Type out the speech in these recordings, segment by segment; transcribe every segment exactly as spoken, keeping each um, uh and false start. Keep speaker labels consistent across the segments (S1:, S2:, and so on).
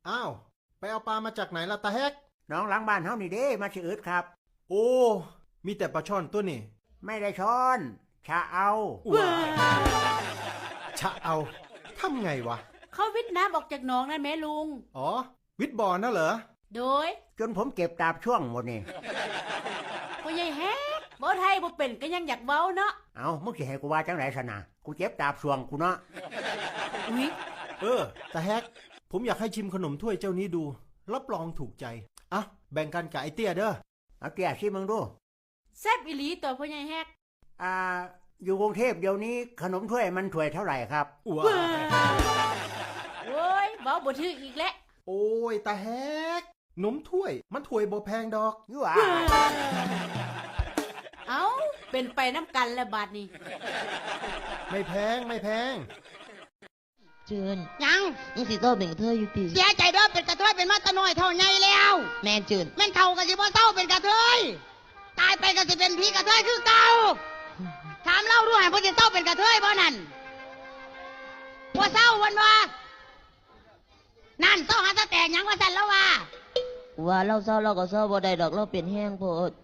S1: อ้าวไปเอาปลามาจากไหนล่ะตาแฮก
S2: น้องหลังบ้านเฮานี่เด้มาชื่ออึดครับ
S1: โอ้มีแต่ปลาช่อนตัวนี่
S2: ไม่ได้ช้อนชะเอา
S1: ชะเอาทำไงวะ
S3: เขาวิทน้ำออกจากหนองนั่นแม่ลุง
S1: อ๋อวิทบ่อน่ะเหรอ
S3: โดย
S2: จนผมเก็บตาบช่วงหมดนี่
S3: พ่อใหญ่แฮกบ่ไทยบ่เป็นก็ยังอยากเว้าเนาะ
S2: เอามึงสิให้กูว่าจังไหนซะนะกูเจ็บตาบช่วงกูเนาะ
S3: อุ๊ย
S1: เออตาแฮกผมอยากให้ชิมขนมถ้วยเจ้านี้ดูรับรองถูกใจอ่ะแบ่งกันกับไอเตี้ยเด้อ
S2: เอาเตี้ยชิมมึงดู
S3: แซ่บอีหลีตัวพ่อใหญ่แฮก
S2: อ่าอยู่กรุงเทพเดี๋ยวนี้ขนมถ้วยมันถ้วยเท่าไหร่ครับ
S1: ว้า
S3: โอ้ยเว้าบ่ถืออีกแล้ว
S1: โอ้ยตาแฮกนมถ้วยมันถ้วยบ่แพงดอก
S2: ยั่ว
S3: เอ้าเป็นไปน้ำกันแล้วบาดนี้
S1: ไม่แพงไม่แพง
S4: เจือน
S5: ยัง
S4: มึงสิโตเป็นกระเทยอยู่ติ
S5: เสียใจเด้อเป็นกระเทยเป็นมาตะน้อยเท่าใหญ่แล้ว
S4: แม่นจืน
S5: แม่นเท่ากันสิบ่เศร้าเป็นกระเทยตายไปก็สิเป็นผีกระเทยคือเก่าถามเล่าดูให้พ่อสิเศร้าเป็นกระเทยบ่นั่นบ่เศร้าวันบ่นั่นเศร้าหาตะแตกหยังว่าซั่นแล้วว่า
S4: ว่าเราเศร้าเราก็เศร้าบ่ได้ดอกเราเป็นแห้งโพด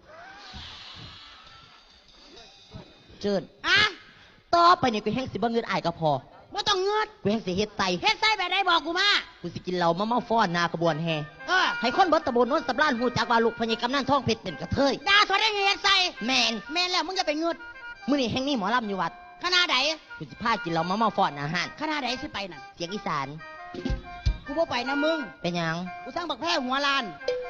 S4: เจือน
S5: อะ
S4: ต่อไปนี่กูแห้งสิบ่เงินอายก็พอ
S5: บ่ต้องเงือด
S4: กูแห้งสิเฮ็ดไต
S5: เฮ็ดไส้แบบใดบอกกูมา
S4: กูสิกินเหล้ามาเมาฟ้อนหน้ากระบวนแห่
S5: เออ
S4: ให้คนเบิดตะบนโน้นสำราญฮู้จักว่าลูกพญากำนันทองเพชรเป็นกระเทย
S5: ด่าสวดได้เฮ็ดไส้
S4: แม่น
S5: แม่นแล้วมึงจะไปเงือด
S4: มื้อนี้แห่งนี้หมอลำอยู่วัด
S5: คณะใด
S4: กูสิพากินเหล้ามาเมาฟ้อนอาหาร
S5: คณะใดสิไปนั่น
S4: เสียงอีสาน
S5: กูบ่ไปนะมึง
S4: เป็นหยัง
S5: กูสร้างบักแพร่หัวลาน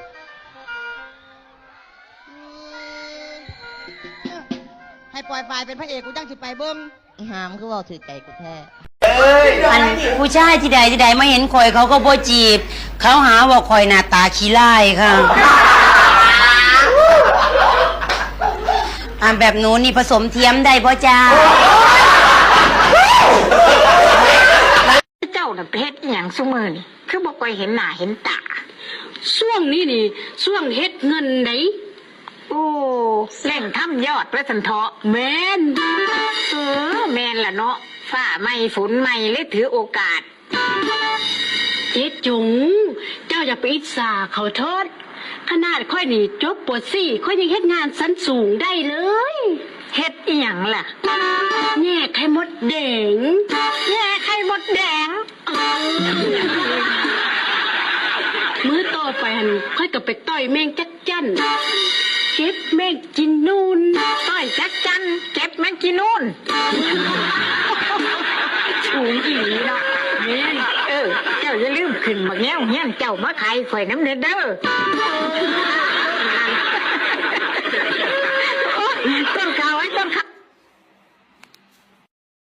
S5: ให้ปล่อยไฟเป็นพระเอกกูจังสิไปเบิ้ง
S4: อีหามคือว่าถือใจกูแท้
S6: อันผู้ชายที่ใดที่ใดไม่เห็นคอยเขาก็บ่จีบเขาหาว่าคอยหน้าตาขี้ไล่ค่ะอันแบบหนูนี่ผสมเทียมได้พ่อจ้า
S7: เจ้าน่ะเพชรอย่างซุมือนี่คือบอกไปเห็นหน้าเห็นตา
S8: ช่วงนี้นี่ช่วงเฮ็ดเงินไหน
S7: โอ้แหล่งทำยอดประสันเถาะ
S8: แมน
S7: เออแมนล่ะเนาะฝ้าไม่ฝนไม่เลยถือโอกาส
S8: เจ๊จุงเจ้าอย่าไปอิจฉาเขาเถิดขนาดค่อยนี่จบปวดสี่ค่อยยังเฮ็ดงานชั้นสูงได้เลย
S7: เฮ็ดอีหยังล่ะ
S8: แง่ไข่มดแดง
S7: แง่ไข่มดแดง
S8: มื้อต่อไปหันค่อยก็ไปต่อยแมงจักจั่นเก็บแมงกินนูน
S7: ต้อยจักจันเก็บแมงกินนูน
S8: สูงอีเนาะแม่น
S7: เออเจ้าอย่าลืมขึ้นบักแง้วเฮียนเจ้ามาขายข่อยน้ำเด้อเด้อ